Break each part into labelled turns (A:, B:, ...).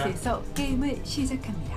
A: 스타벅스에서 게임을 시작합니다.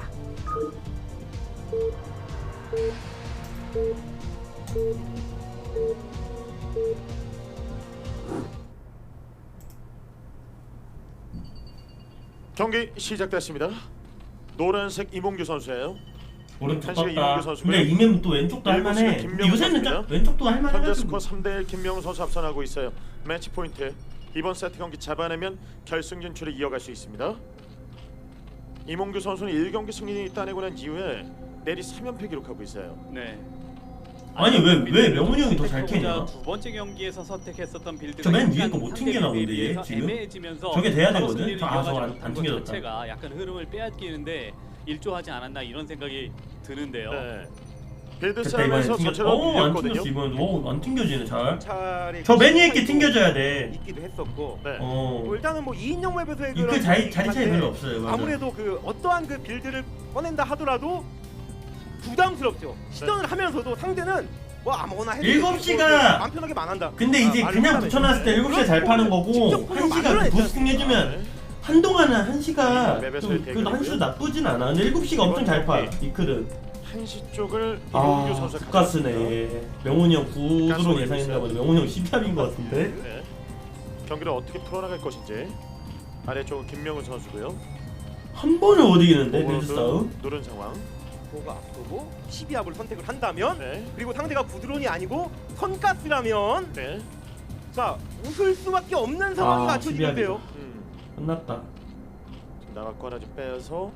B: 경기 시작됐습니다. 노란색 이몽규 선수예요.
C: 오른쪽
B: 한시가
C: 떴다.
B: 이몽규 선수고요.
C: 근데 이면 또 왼쪽도 할만해.
B: 일곱시가 김명훈
C: 요새는
B: 선수입니다.
C: 왼쪽도
B: 현재
C: 할만해가지고.
B: 스코어 3대1 김명훈 선수 앞선하고 있어요. 매치 포인트. 이번 세트 경기 잡아내면 결승 진출을 이어갈 수 있습니다. 이몽규 선수는 1경기 승리 따내고 난 이후에 내리 3연패 기록하고 있어요.
D: 네.
C: 아니 왜 명훈이 형이 더 잘 캐냐?
D: 두 번째 경기에서 선택했었던 빌드가
C: 저맨 위에
D: 약간
C: 거 못
D: 상대
C: 튕겨나 본데,
D: 빌드에
C: 얘
D: 비해서
C: 지금?
D: 애매해지면서
C: 저게 돼야
D: 바로
C: 되거든?
D: 승리를
C: 아, 저거
D: 이어가지
C: 안
D: 못한 것
C: 튕겨졌다.
D: 자체가 약간 흐름을 빼앗기는데 일조하지 않았나 이런 생각이 드는데요.
B: 네. 빌드
C: 됐다 이번에
B: 싸움에서
C: 튕겨.
B: 전체로
C: 안
B: 밀렸거든요.
C: 튕겼어 이번에. 안 튕겨지네 잘.
E: 차례
C: 저 맨 위에 게 튕겨져야 돼.
E: 있기도 했었고
B: 네.
E: 뭐 일단은 뭐 2인용 맵에서의
C: 이그 자리 차이 별로 없어요. 맞아.
E: 아무래도 그 어떠한 그 빌드를 꺼낸다 하더라도 부담스럽죠. 시전을 하면서도 상대는 뭐 아무거나 해도
C: 7시가
E: 마음 편하게 망한다.
C: 근데 이제
E: 말을
C: 그냥
E: 하면
C: 붙여놨을 때 7시에 잘 파는 거고
E: 직접
C: 1시가 부스팅 해주면
B: 네.
C: 한동안은 1시가
B: 맵에서의
C: 좀 그래도
B: 대결이고요.
C: 1시도 나쁘진 않아. 근데 7시가 엄청 잘 파. 이클은.
B: 한시 쪽을 이몽규
C: 아
B: 선수가
C: 국가스네. 명훈이 형 9드론
B: 가스로
C: 예상했나 보네. 명훈이 형 10탑인 것 같은데.
B: 네. 경기를 어떻게 풀어나갈 것인지. 아래쪽은 김명훈 선수고요.
C: 한 번을 못 이기는데 빌드
B: 오버로드
C: 싸움.
B: 누른 상황.
E: 보가 앞서고 12합을 선택을 한다면
B: 네.
E: 그리고 상대가 구드론이 아니고 선가스라면
B: 네.
E: 자 웃을 수밖에 없는 상황이
C: 아,
E: 갖춰지는데요.
C: 끝났다.
B: 지금 나갔고 하나 좀 빼서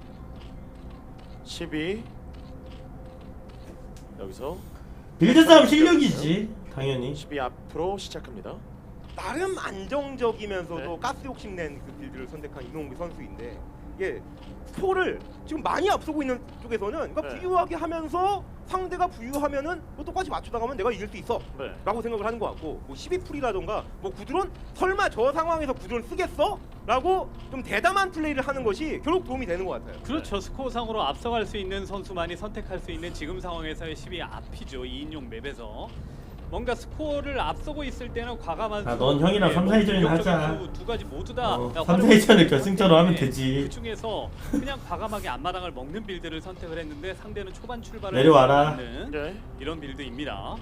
B: 12 여기서
C: 빌드 싸움 실력이지 당연히.
B: 12 앞으로 시작합니다.
E: 나름 안정적이면서도
B: 네.
E: 가스 욕심낸 그 빌드를 선택한 이동욱이 선수인데 이게 스코어를 지금 많이 앞서고 있는 쪽에서는 그러니까
B: 네.
E: 부유하게 하면서 상대가 부유하면은 뭐 똑같이 맞춰나가면 내가 이길 수 있어
B: 네.
E: 라고 생각을 하는 것 같고 뭐 12풀이라던가 뭐 구드론 설마 저 상황에서 구드론 쓰겠어? 라고 좀 대담한 플레이를 하는 것이 결국 도움이 되는 것 같아요.
D: 그렇죠. 스코어상으로 앞서갈 수 있는 선수만이 선택할 수 있는 지금 상황에서의 10위 앞이죠. 2인용 맵에서. 뭔가 스코어를 앞서고 있을 때는 과감한
C: 아, 넌 형이랑 3, 4위전이나 하자.
D: 두 가지 모두 다
C: 3, 4위전을 결승처럼 하면 되지.
D: 그 중에서 그냥 과감하게 앞마당을 먹는 빌드를 선택을 했는데 상대는 초반 출발을
C: 내려와라.
D: 하는
B: 네.
D: 이런 빌드입니다.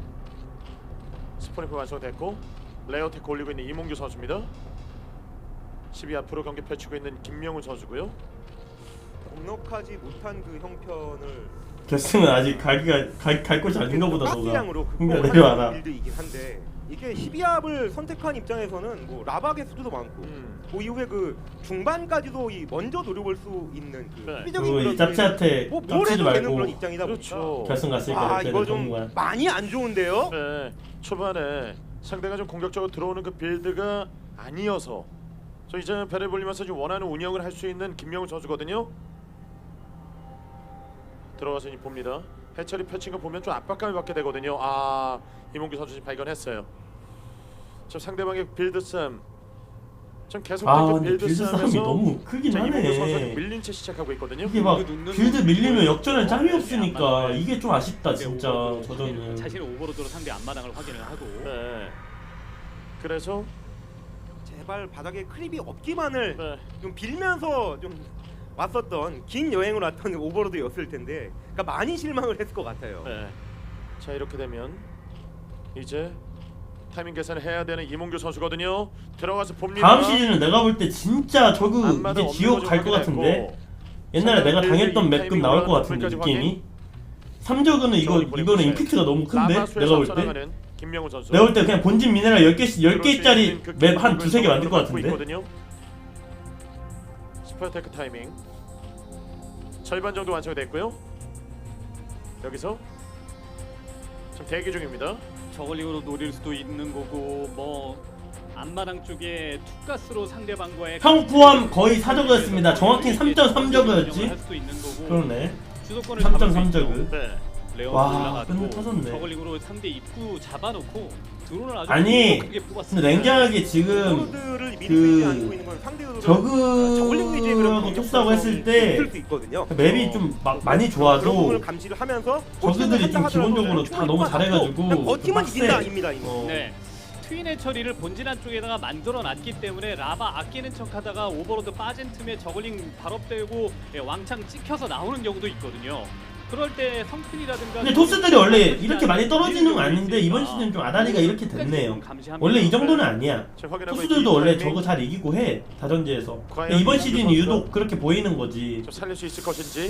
B: 스포니프 완성됐고 레어테크 올리고 있는 이몽규 선수입니다. 12 앞으로 경기 펼치고 있는 김명훈 선수고요.
E: 넉넉하지 못한 그 형편을
C: 결승은 아직 갈 곳이 아닌가 보다 너가.
E: 가스량으로
C: 그러니까
E: 극복을
C: 내려와라.
E: 하는 빌드이긴 한데 이게 12합을 선택한 입장에서는 뭐 라박의 수도 많고 뭐 이후에 그 중반까지도 이 먼저 노려볼 수 있는 그
B: 네.
E: 수비적인
C: 그리고
E: 그런
C: 이 짭짤한테
E: 뭐 뭘
C: 겹치지
E: 해도 되는
C: 말고
E: 그런 입장이다
B: 그렇죠.
E: 보니까
C: 결승 갔으니까
E: 아
C: 이렇게
E: 이거
C: 되는
E: 좀
C: 정말.
E: 많이 안 좋은데요?
B: 네. 초반에 상대가 좀 공격적으로 들어오는 그 빌드가 아니어서 저 이제 배를 불리면서 좀 원하는 운영을 할 수 있는 김명훈 선수거든요. 들어가서 이제 봅니다. 해철이 펼친 거 보면 좀 압박감을 받게 되거든요. 아 이몽규 선수 지금 발견했어요. 지금 상대방의 빌드 싸움 좀 계속
C: 아
B: 그
C: 근데 빌드 싸움이 너무 크긴
B: 자, 이몽규 선수가
C: 하네.
B: 밀린 채 시작하고 있거든요.
C: 이게 막 빌드 밀리면 역전할 짬이
D: 네,
C: 없으니까
D: 네,
C: 이게 좀 아쉽다
D: 네,
C: 진짜
D: 오버로드
C: 저전은.
D: 자신의 오버로드로 상대 앞마당을 확인을 하고
B: 네. 그래서
E: 제발 바닥에 크립이 없기만을
B: 네.
E: 좀 빌면서 좀 왔었던 긴 여행을 왔던 오버로드였을 텐데 그러니까 많이 실망을 했을 것 같아요.
B: 네. 자 이렇게 되면 이제 타이밍 계산을 해야 되는 이몽규 선수거든요. 들어가서 봅니다.
C: 다음 시즌은 내가 볼 때 진짜 저그
B: 앞마당
C: 이제
B: 없는
C: 지옥
B: 거
C: 갈 것
B: 좀
C: 같은데.
B: 확인했고.
C: 옛날에 내가
B: 상대
C: 당했던
B: 빌드
C: 맵급
B: 이
C: 나올 것
B: 타이밍
C: 같은데
B: 올라가는
C: 느낌이. 3저그는
B: 보내고
C: 이거는
B: 있어요.
C: 임팩트가 너무 큰데
B: 라마수에서
C: 내가 볼 때.
B: 앞서나가는 김명훈 선수.
C: 내가 볼 때 그냥 본진 미네랄 10개짜리
B: 그
C: 맵 한
B: 기록을
C: 두세 개 만들 것
B: 갖고
C: 같은데.
B: 있거든요. 스파이테크 타이밍 절반 정도 완성이 됐고요. 여기서 지금 대기 중입니다.
D: 저글링으로 노릴 수도 있는 거고 뭐 앞마당 쪽에 투가스로 상대방과의
C: 형 포함 거의 4저그였습니다. 정확히 3.3저그였지.
D: 할 수도 있는 거고
C: 그러네.
D: 주도권을
C: 3.3저그.
B: 네.
D: 레어
C: 와,
D: 올라가고
C: 끝내 터졌네.
D: 저글링으로 상대 입구 잡아놓고 드론을 아주
C: 아니,
D: 크게 뽑았습니다.
C: 근데 냉정하게 지금
E: 오버로드를 미리
C: 그
E: 빼지 않고 있는 건 상대 의도를 저글링 위주의 그런
C: 저그하고
E: 공격
C: 톱사고 했을 때
E: 있을 수 있거든요.
C: 맵이 좀 많이
E: 그런
C: 좋아도
E: 부분을 감시를 하면서
C: 저그들이 좀 기본적으로 다 너무 잘해가지고
E: 그냥 버티면
C: 빡세.
E: 이긴다 아닙니다. 이거.
C: 어.
D: 네. 트윈의 처리를 본진 안쪽에다가 만들어놨기 때문에 라바 아끼는 척하다가 오버로드 빠진 틈에 저글링 발업되고 왕창 찍혀서 나오는 경우도 있거든요. 그럴 때 성큰이라든가
C: 근데 토스들이 원래 이렇게 많이 떨어지는 건 아닌데 이번 시즌 좀 아다리가 이렇게 됐네요. 원래 이 정도는 아니야. 토스들도 원래 저거 잘 이기고 해 다전제에서. 근데 이번 시즌이 유독 그렇게 보이는 거지.
B: 좀 살릴 수 있을 것인지.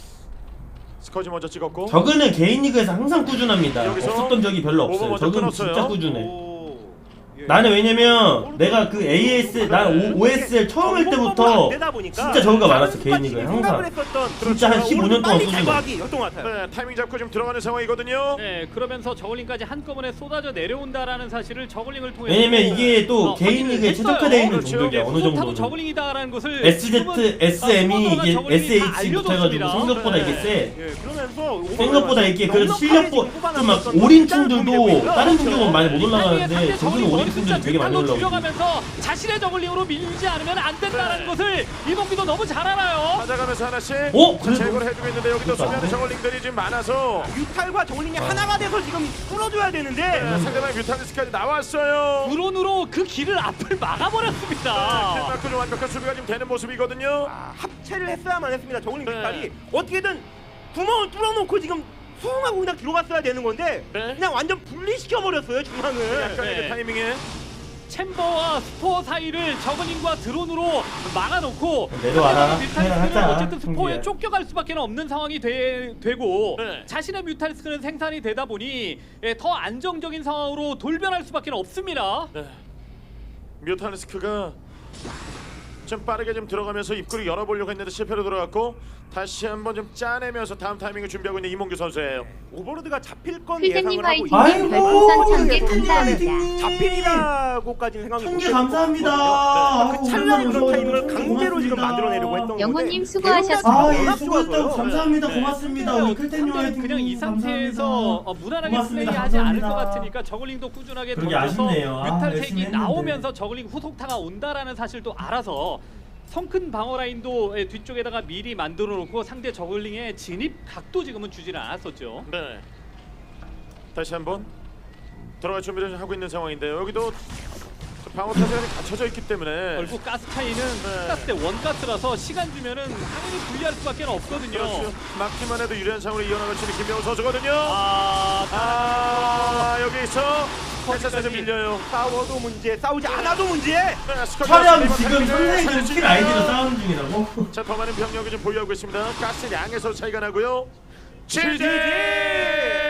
B: 스커지 먼저 찍었고.
C: 저그는 개인 리그에서 항상 꾸준합니다.
B: 여기서
C: 없었던 적이 별로
B: 오버
C: 없어요.
B: 먼저
C: 저그는
B: 끊었어요.
C: 진짜 꾸준해.
D: 오, 예.
C: 나는 왜냐면 내가 그 AS 난 OSL 처음 할 때부터 진짜 저그가 많았어 개인 리그에 항상. 진짜 한 15년 동안 꾸준해.
E: 제거하기였던 것 같아요.
B: 네, 타이밍 잡고 좀 들어가는 상황이거든요.
D: 네, 그러면서 저글링까지 한꺼번에 쏟아져 내려온다라는 사실을 저글링을 통해
C: 왜냐면 이게 또 개인 리그에 최적화되어 있는
B: 그렇죠.
C: 종족이야 어느
D: 타도
C: 정도는. SZ,
D: 저글링이다라는 것을
C: SM이 이게 SH부터 해가지고
D: 알려줍니다.
C: 생각보다 이게 세.
E: 예, 그러면서
C: 생각보다 이게 그 실력보 좀막 올인충들도 다른 종족은 많이 못 올라가는데 저기는 올인충들이 되게 많이 올라오고.
D: 줄여가면서 자신의 저글링으로 밀지 않으면 안 된다는
B: 네.
D: 것을 이몽규도 너무 잘 알아요.
B: 찾아가면서 하나씩
C: 오!
B: 자,
C: 그래도-
B: 제거를 해주고 있는데 여기도
C: 그것도 안
B: 수비하는
C: 돼?
B: 저글링들이 지금 많아서
E: 뮤탈과 저글링이 하나가 돼서 지금 뚫어줘야 되는데
B: 네, 상대방 뮤탈리스까지 나왔어요.
D: 드론으로 그 길을 앞을
B: 킬
D: 막아버렸습니다.
B: 맞고 좀 완벽한 수비가 지금 되는 모습이거든요.
E: 합체를 했어야만 했습니다. 저글링
B: 네.
E: 뮤탈이 어떻게든 구멍을 뚫어놓고 지금 수응하고 그냥 들어갔어야 되는 건데
B: 네.
E: 그냥 완전 분리시켜 버렸어요 중앙을.
B: 약간의
D: 네.
B: 그 타이밍에
D: 챔버와 스포 사이를 저글링과 드론으로 막아놓고
C: 내려와라.
D: 뮤탈리스크는
C: 하자.
D: 어쨌든 스포에
C: 승기야.
D: 쫓겨갈 수밖에 없는 상황이 되고
B: 네.
D: 자신의 뮤탈리스크는 생산이 되다 보니 더 안정적인 상황으로 돌변할 수밖에 없습니다.
B: 네. 뮤탈리스크가 좀 빠르게 좀 들어가면서 입구를 열어보려고 했는데 실패로 들어갔고 다시 한번 좀 짜내면서 다음 타이밍을 준비하고 있는 이몽규 선수예요.
E: 오버로드가 잡힐 건
F: 필생님
E: 예상을 하고
F: 화이팅!
E: 있는데
F: 별풍선 1000개
E: 예상이
F: 감사합니다.
E: 잡힐이라고까지는 생각이
C: 1000개 감사합니다.
E: 그 찰나의 그런 타이밍을
C: 고맙습니다.
E: 강제로 지금 만들어내려고 했던 건데
F: 영호님 수고하셨습니다.
C: 아, 예,
E: 워낙
C: 수고했다고
E: 좋아서요.
C: 감사합니다.
B: 네.
C: 고맙습니다. 우리 클텐님
D: 상대는
C: 화이팅.
D: 그냥 이 상태에서
C: 감사합니다.
D: 무난하게
C: 고맙습니다.
D: 플레이하지 않을 것
C: 감사합니다.
D: 같으니까 저글링도 꾸준하게
C: 그러게
D: 던져서
C: 아쉽네요. 아, 열심히
D: 뮤탈색이
C: 했는데.
D: 나오면서 저글링 후속타가 온다라는 사실도 알아서 성큰 방어 라인도 뒤쪽에다가 미리 만들어 놓고 상대 저글링의 진입 각도 지금은 주지는 않았었죠.
B: 네. 다시 한번 들어갈 준비를 하고 있는 상황인데요. 여기도 방어 타선이 갖춰져 있기 때문에
D: 결국 가스 차이는
B: 네.
D: 가스 대 원가스라서 시간 주면은 당연히 불리할 수밖에 없거든요.
B: 그렇죠. 막기만 해도 유리한 상황으로 이어나갈 수 있는 김명우 선수거든요.
D: 아,
B: 여기 있어 패스에서 밀려요.
E: 싸워도 문제, 싸우지 않아도 문제.
B: 네, 스쿼트
C: 촬영
B: 선수의
C: 지금
B: 타이밍을
C: 선생님 킬 아이디로 싸우는 중이라고?
B: 자, 더 많은 병력이 좀 보유하고 있습니다. 가스 양에서 차이가 나고요. GG!